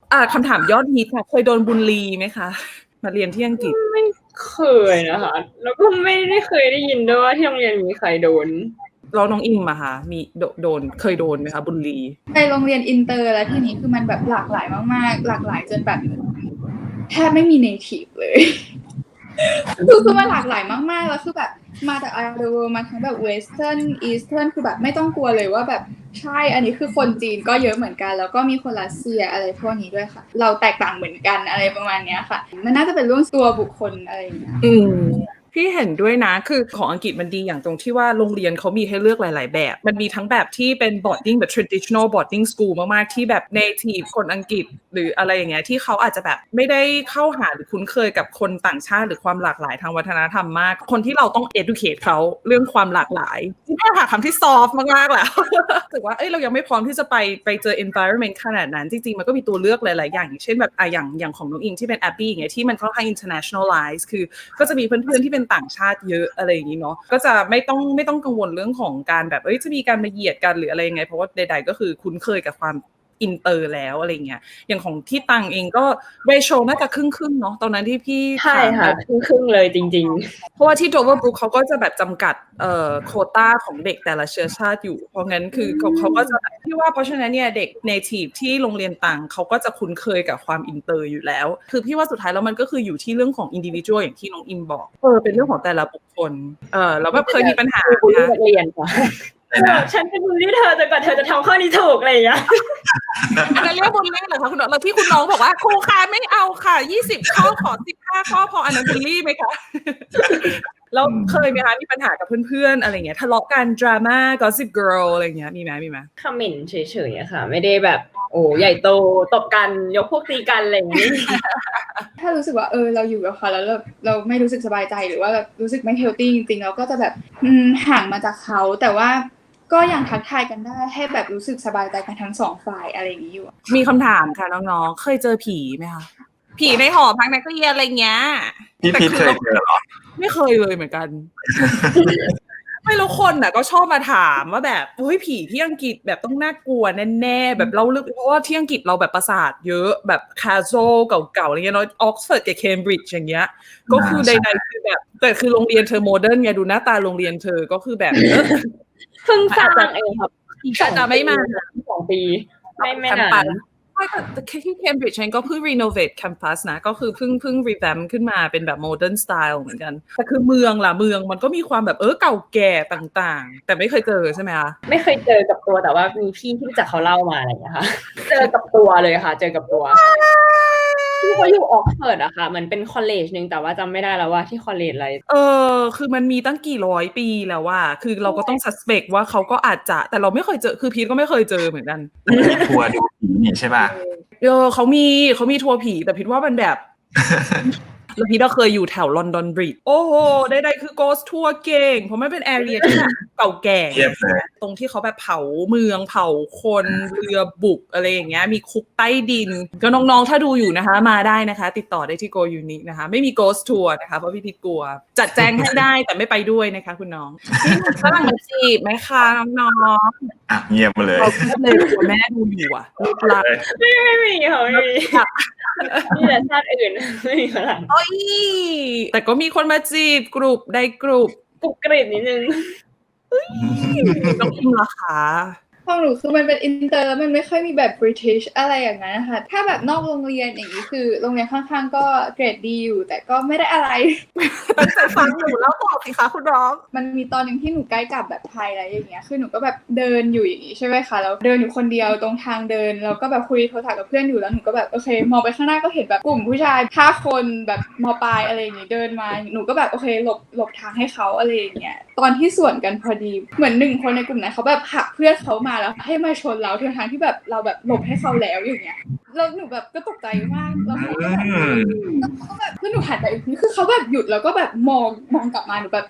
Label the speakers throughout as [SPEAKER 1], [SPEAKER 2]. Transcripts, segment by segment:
[SPEAKER 1] คำถามยอดฮิตค่ะเคยโดนบูลลีไหมคะมาเรียนที่อังกฤษ
[SPEAKER 2] ไม่เคยนะคะแล้วก็ไม่ได้เคยได้ยินด้วยว่าที่โรงเรียนมีใครโดน
[SPEAKER 1] แล้วน้องอิมอะคะมีโดนเคยโดนไหมคะบูลลี
[SPEAKER 3] ในโรงเรียนอินเตอร์แล้วทีนี้คือมันแบบหลากหลายมากๆหลากหลายจนแบบแทบไม่มีเนทีฟเลยคือมันหลากหลายมากๆแล้วคือแบบมาจาก around the world มาทั้งแบบ western eastern คือแบบไม่ต้องกลัวเลยว่าแบบใช่อันนี้คือคนจีนก็เยอะเหมือนกันแล้วก็มีคนรัสเซียอะไรพวกนี้ด้วยค่ะเราแตกต่างเหมือนกันอะไรประมาณนี้ค่ะมันน่าจะเป็นเรื่องตัวบุคคลอะไรอย่างเงี้ย
[SPEAKER 1] พี่เห็นด้วยนะคือของอังกฤษมันดีอย่างตรงที่ว่าโรงเรียนเขามีให้เลือกหลายๆแบบมันมีทั้งแบบที่เป็น boarding แบบ traditional boarding school มากๆที่แบบ native คนอังกฤษหรืออะไรอย่างเงี้ยที่เขาอาจจะแบบไม่ได้เข้าหาหรือคุ้นเคยกับคนต่างชาติหรือความหลากหลายทางวัฒนธรรมมากคนที่เราต้อง educate เขาเรื่องความหลากหลายที่แค่หาคำที่ soft มากๆแล้วรู้สึกว่าเรายังไม่พร้อมที่จะไปเจอ environment ขนาดนั้นจริงๆมันก็มีตัวเลือกหลายๆอย่างอย่างเช่นแบบอย่างของน้องอิงที่เป็น Abby อย่างเงี้ยที่มันค่อนข้าง internationalize คือก็จะมีเพื่อนๆที่เป็นต่างชาติเยอะอะไรอย่างนี้เนาะก็จะไม่ต้องกังวลเรื่องของการแบบจะมีการมาเหยียดกันหรืออะไรยังไงเพราะว่าใดๆก็คือคุ้นเคยกับความอินเตอร์แล้วอะไรเงี้ยอย่างของที่ตังเองก็เรโชน่าจะครึ่งๆเนาะตอนนั้นที่พี่
[SPEAKER 2] ใช่ค่ะครึ่งเลยจริง
[SPEAKER 1] ๆเพราะว่าที่ Doverbrook เขาก็จะแบบจำกัดโควต้าของเด็กแต่ละเชื้อชาติอยู่เพราะงั้นคือเขาก็จะพี่ว่าเพราะฉะนั้นเนี่ยเด็ก native ที่โรงเรียนต่างเขาก็จะคุ้นเคยกับความอินเตอร์อยู่แล้วคือพี่ว่าสุดท้ายแล้วมันก็คืออยู่ที่เรื่องของ individual อย่างที่น้องอิมบอกเป็นเรื่องของแต่ละบุคคลแล้วแบบเคยมีปัญหา
[SPEAKER 2] บูลลี่นักเรียนค่ะฉันเป็นบูลลี่เธอจนกว่าเธอจะทำข้อนี้ถูกอะไรอย่างเงี้ย
[SPEAKER 1] อันนั้นเรียกบูลลี่เหรอคะคุณน้องแล้วที่คุณน้องบอกว่าครูคะไม่เอาค่ะ20ข้อขอ15ข้อพออันนั้นบูลลี่ไหมคะแล้วเคยไหมคะมีปัญหากับเพื่อนๆอะไรเงี้ยทะเลาะกันดราม่า gossip girl อะไรเงี้ยมีไหม
[SPEAKER 2] คอมเมนต์เฉยๆอะค่ะไม่ได้แบบโอ้ใหญ่โตตบกันยกพวกตีกันอะไรอย่างนี้
[SPEAKER 3] ถ้ารู้สึกว่าเราอยู่กับเขาแล้วเราไม่รู้สึกสบายใจหรือว่ารู้สึกไม่เฮลตี้จริงๆเราก็จะแบบห่างมาจากเขาแต่ว่าก็ยังทักทายกันได้ให้แบบรู้สึกสบายใจกันทั้งสองฝ่ายอะไรอย่างนี้อยู่
[SPEAKER 1] มีคำถามค่ะน้องๆเคยเจอผีไหมคะผีในหอพักนักเรียนอะไรเงี้ย
[SPEAKER 4] พี่พีทเคยเจอหรอ
[SPEAKER 1] ไม่เคยเลยเหมือนกันไม่รู้คนน่ะก็ชอบมาถามว่าแบบเฮ้ยผีที่อังกฤษแบบต้องน่ากลัวแน่ๆแบบเล่าลึกเพราะว่าที่อังกฤษเราแบบปราสาทเยอะแบบคาสเซิลเก่าๆอะไรเงี้ยเนาะออกซฟอร์ดกับเคมบริดจ์อย่างเงี้ยก็คือใดๆคือแบบแต่คือโรงเรียนเธอโมเดิร์นไงดูหน้าตาโรงเรียนเธอก็คือแบบ
[SPEAKER 2] เพิ่งสร้างเองครับ
[SPEAKER 1] จะไม่มา
[SPEAKER 2] 2 ปีไม่นาน
[SPEAKER 1] แต่ที่เคมบริดจ์ฉันก็เพิ่งรีโนเวทแคมปัสนะก็คือเพิ่งรีแวมขึ้นมาเป็นแบบโมเดิร์นสไตล์เหมือนกันแต่คือเมืองมันก็มีความแบบเก่าแก่ต่างๆแต่ไม่เคยเจอใช่ไหมคะ
[SPEAKER 2] ไม่เคยเจอกับตัวแต่ว่ามีพี่ที่รู้จักเขาเล่ามาอะไรอย่างเงี้ยค่ะเจอกับตัวเลยค่ะเจอกับตัวที่เขาอยู่ออกซฟอร์ดอะค่ะมันเป็นคอลเลจนึงแต่ว่าจำไม่ได้แล้วว่าที่คอลเลจอะไร
[SPEAKER 1] คือมันมีตั้งกี่ร้อยปีแล้วว่าคือเราก็ต้องซัสเปกว่าเขาก็อาจจะแต่เราไม่เคยเจอคือพีทก็ไม่เคยเจอเหมือนกัน
[SPEAKER 4] ทัวร์ดูผีนี่ใช่ป่ะ
[SPEAKER 1] เขามีทัวร์ผีแต่พีทว่ามันแบบแล้วพี่ก็เคยอยู่แถวลอนดอนบริดจ์โอ้โหใดๆคือ Ghost Tour เก่งเพราะมันเป็นแอเรียที่แบบเก่าแก่ตรงที่เขาแบบเผาเมืองเผาคนเรือบุกอะไรอย่างเงี้ยมีคุกใต้ดินก็น้องๆถ้าดูอยู่นะคะมาได้นะคะติดต่อได้ที่ Go Unique นะคะไม่มี Ghost Tour นะคะเพราะพี่พิดกลัวจัดแจงให้ได้แต่ไม่ไปด้วยนะคะคุณน้องนี่ฝรั่งมาจีบไหมคะน้อง
[SPEAKER 4] เงียบมาเลย
[SPEAKER 1] เราเลยกลัวแม่ดูอยู่อ่ะลูกหลาน
[SPEAKER 2] ไม่มีค่ะไม่มีมีแต่ชาติอื่นไม่มีฝรั่ง
[SPEAKER 1] โอ้ยแต่ก็มีคนมาจีบกลุ่มได้กลุ่ม
[SPEAKER 2] กรุบกริบนิดนึง
[SPEAKER 1] น้องอิมล่ะคะ
[SPEAKER 3] ของหนูคือมันเป็นอินเตอร์แล้วมันไม่ค่อยมีแบบบริติชอะไรอย่างนั้นนะคะถ้าแบบนอกโรงเรียนอย่างนี้คือโรงเรียนข้างๆก็เกรดดีอยู่แต่ก็ไม่ได้อะไร
[SPEAKER 1] ตั้งใจฟังหนูแล้วบอกสิคะคุณน้อง
[SPEAKER 3] มันมีตอนนึงที่หนูใกล้กลับแบบไทยอะไรอย่างเงี้ยคือหนูก็แบบเดินอยู่อย่างงี้ใช่ไหมคะแล้วเดินอยู่คนเดียวตรงทางเดินแล้วก็แบบคุยโทรศัพท์กับเพื่อนอยู่แล้วหนูก็แบบโอเคมองไปข้างหน้าก็เห็นแบบกลุ่มผู้ชาย5 คนแบบม.ปลายอะไรอย่างงี้เดินมาหนูก็แบบโอเคหลบทางให้เขาอะไรอย่างเงี้ยตอนที่สวนกันพอดีเหมือน1 คนในกลุ่มนั้นเขาแบบผลักเพื่อนเขามาแล้วให้มาชนเราทั้งที่แบบเราแบบหลบให้เขาแล้วอย่างเงี้ยแล้วหนูแบบก็ตกใจมากแล้วเขาก็แบบคือหนูหันไปอีกทีคือเขาแบบหยุดแล้วก็แบบมองกลับมาหนูแบบ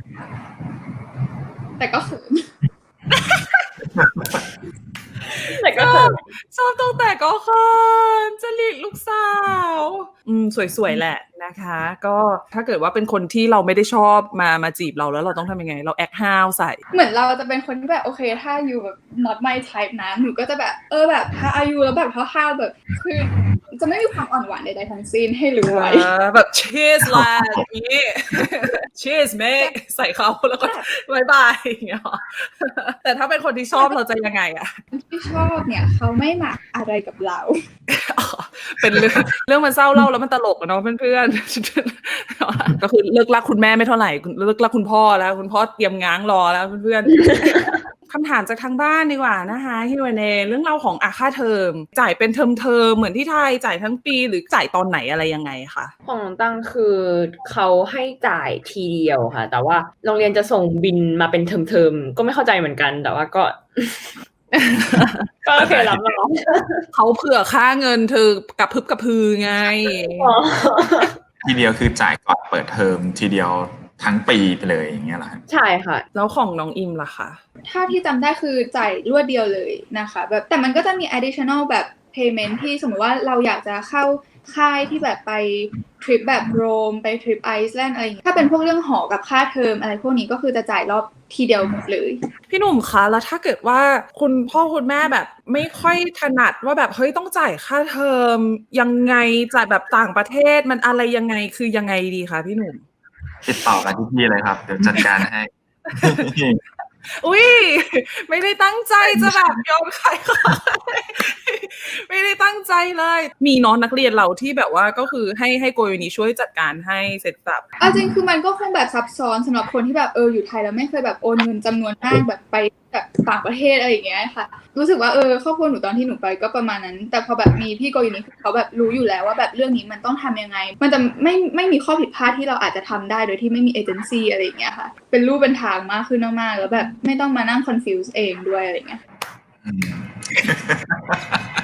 [SPEAKER 3] แต่ก็เขิน
[SPEAKER 2] แต่ก็เขิน
[SPEAKER 1] ชอบตั้งแต่ก็เขินจริตลูกสาวสวยๆแหละนะนะคะ ก็ถ้าเกิดว่าเป็นคนที่เราไม่ได้ชอบมาจีบเราแล้วเราต้องทำยังไงเราแอคห้าวใส่
[SPEAKER 3] เหมือนเราจะเป็นคนที่แบบโอเคถ้าอยู่แบบ not my type นะหนูก็จะแบบแบบถ้าอายุแล้วแบบห้าวๆแบบคือจะไม่มีความอ่อนหวานใดๆทั้งสิ้นให้รู้ไว้
[SPEAKER 1] แบบ cheers lad อย่างนี้ cheers mate ใส่เขาแล้วก็บายบายอย่างเงี้ยหรอแต่ถ้าเป็นคนที่ชอบเราจะยังไงอะ
[SPEAKER 3] ที่ชอบเนี่ยเขาไม่หมักอะไรกับเรา
[SPEAKER 1] อ๋อเป็นเรื่องมันเศร้าเล่าแล้วมันตลกอะเนาะเพื่อนๆ ก็คือเลิกรักคุณแม่ไม่เท่าไหร่เลิกรักคุณพ่อแล้วคุณพ่อเตรียมง้างรอแล้วเพื่อนๆ คำถามจากทางบ้านดีกว่านะคะฮิวเนเรื่องเล่าของค่าเทอมจ่ายเป็นเทอมเหมือนที่ไทยจ่ายทั้งปีหรือจ่ายตอนไหนอะไรยังไงคะ
[SPEAKER 2] ของน้องตั้งคือเขาให้จ่ายทีเดียวค่ะ แต่ว่าโรงเรียนจะส่งบินมาเป็นเทอมๆก็ไม่เข้าใจเหมือนกันแต่ว่าก็ ก็โอเครับมา
[SPEAKER 1] เขาเผื่อค่าเงินเธอกับพึบกับพือไง
[SPEAKER 4] ทีเดียวคือจ่ายก่อนเปิดเทอมทีเดียวทั้งปีไปเลยอย่างเงี้ยเหรอครับ
[SPEAKER 2] ใช่ค่ะ
[SPEAKER 1] แล้วของน้องอิมล่ะคะ
[SPEAKER 3] ถ้าที่จำได้คือจ่ายรวดเดียวเลยนะคะแบบแต่มันก็จะมี additional แบบ payment ที่สมมติว่าเราอยากจะเข้าค่ายที่แบบไปทริปแบบโรมไปทริปไอซ์แลนด์อะไรอย่างเงี้ยถ้าเป็นพวกเรื่องหอกับค่าเทอมอะไรพวกนี้ก็คือจะจ่ายรอบทีเดียวหมดเลย
[SPEAKER 1] พี่หนุ่มคะแล้วถ้าเกิดว่าคุณพ่อคุณแม่แบบไม่ค่อยถนัดว่าแบบเฮ้ยต้องจ่ายค่าเทอมยังไงจ่ายแบบต่างประเทศมันอะไรยังไงคือยังไงดีคะพี่หนุ่ม
[SPEAKER 4] ติดต่อกันที่พี่เลยครับเดี๋ยวจัดการให้
[SPEAKER 1] อุ้ยไม่ได้ตั้งใจจะแบบยอมขายของไม่ได้ตั้งใจเลย มีน้องนักเรียนเราที่แบบว่าก็คือให้โกยนี้ช่วยจัดการให้เสร็จสับ
[SPEAKER 3] เอาจริงคือมันก็คงแบบซับซ้อนสำหรับคนที่แบบอยู่ไทยแล้วไม่เคยแบบโอนเงินจำนวนมากแบบไปแบบต่างประเทศอะไรอย่างเงี้ยค่ะรู้สึกว่าครอบครัวหนูตอนที่หนูไปก็ประมาณนั้นแต่พอแบบมีพี่โกยูนิเขาแบบรู้อยู่แล้วว่าแบบเรื่องนี้มันต้องทำยังไงมันจะไม่มีข้อผิดพลาดที่เราอาจจะทำได้โดยที่ไม่มีเอเจนซี่อะไรอย่างเงี้ยค่ะเป็นรูปเป็นทางมากขึ้นมากๆแล้วแบบไม่ต้องมานั่งคอนฟิวส์เองด้วยอะไรอย่างเงี้ย
[SPEAKER 4] อืม